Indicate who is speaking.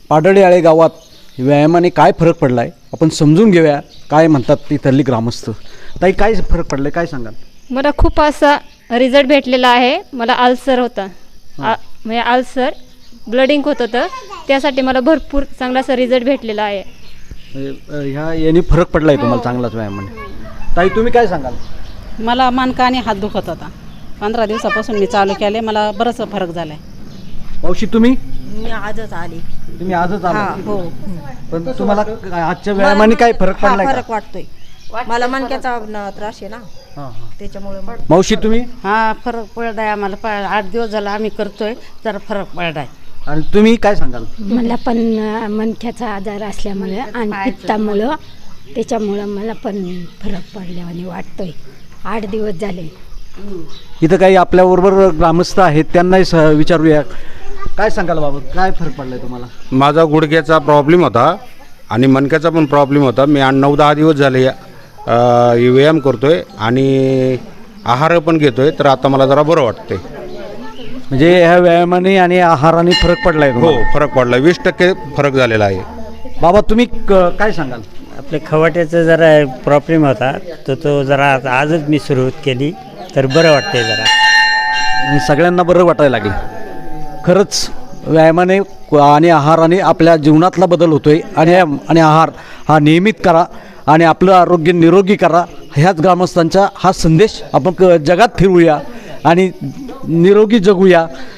Speaker 1: पाडळीआळे गावात व्यायामाने काय फरक पडला आहे आपण समजून घेऊया. काय म्हणतात तिथली ग्रामस्थ. ताई काय फरक पडला काय सांगाल?
Speaker 2: मला खूप असा रिझल्ट भेटलेला आहे. मला अल्सर होता म्हणजे अल्सर ब्लडिंग होत होतं, त्यासाठी मला भरपूर चांगला असा रिझल्ट भेटलेला आहे.
Speaker 1: ह्या याने फरक पडला आहे तुम्हाला चांगलाच व्यायामाने. ताई तुम्ही काय सांगाल?
Speaker 3: मला मानका आणि हात दुखत होता. 15 दिवसापासून मी चालू केले, मला बराच फरक झाला आहे.
Speaker 1: मावशी तुम्ही?
Speaker 4: मी आजच आली.
Speaker 1: तुम्ही आजच आला?
Speaker 4: हो.
Speaker 1: पण तुम्हाला आजच्या व्यायामाने काय फरक पडलाय?
Speaker 4: फरक वाटतोय मला. मणक्याचा त्रास आहे ना, त्याच्यामुळे.
Speaker 1: मावशी तुम्ही?
Speaker 5: हा फरक पडलाय आम्हाला. 8 दिवस झाला आम्ही करतोय, जरा फरक पडलाय.
Speaker 1: आणि तुम्ही काय सांगाल?
Speaker 6: मला पण मणक्याचा आजार असल्यामुळे आणि पित्तामुळं त्याच्यामुळं मला पण फरक पडल्याने वाटतोय. 8 दिवस झाले.
Speaker 1: इथं काही आपल्याबरोबर ग्रामस्थ आहेत, त्यांनाही विचारूया. काय सांगाल बाबा, काय फरक पडलाय तुम्हाला?
Speaker 7: माझा गुडघ्याचा प्रॉब्लेम होता आणि मणक्याचा पण प्रॉब्लेम होता. मी 9-10 दिवस झाले व्यायाम करतोय आणि आहार पण घेतोय, तर आता मला जरा बरं वाटतंय.
Speaker 1: म्हणजे ह्या व्यायामाने आणि आहाराने फरक पडलाय?
Speaker 7: हो फरक पडला. 20% फरक झालेला आहे.
Speaker 1: बाबा तुम्ही काय सांगाल?
Speaker 8: आपल्या खवाट्याचा जरा प्रॉब्लेम होता, तर तो जरा आजच मी सुरुवात केली, तर बरं वाटतंय जरा.
Speaker 1: आणि सगळ्यांना बरं वाटायला लागले. खरंच व्यायामाने आणि आहाराने आपल्या जीवनातला बदल होतोय. आणि आहार हा नियमित करा आणि आपलं आरोग्य निरोगी करा. ह्याच ग्रामस्थांचा हा संदेश आपण जगात फिरवूया आणि निरोगी जगूया.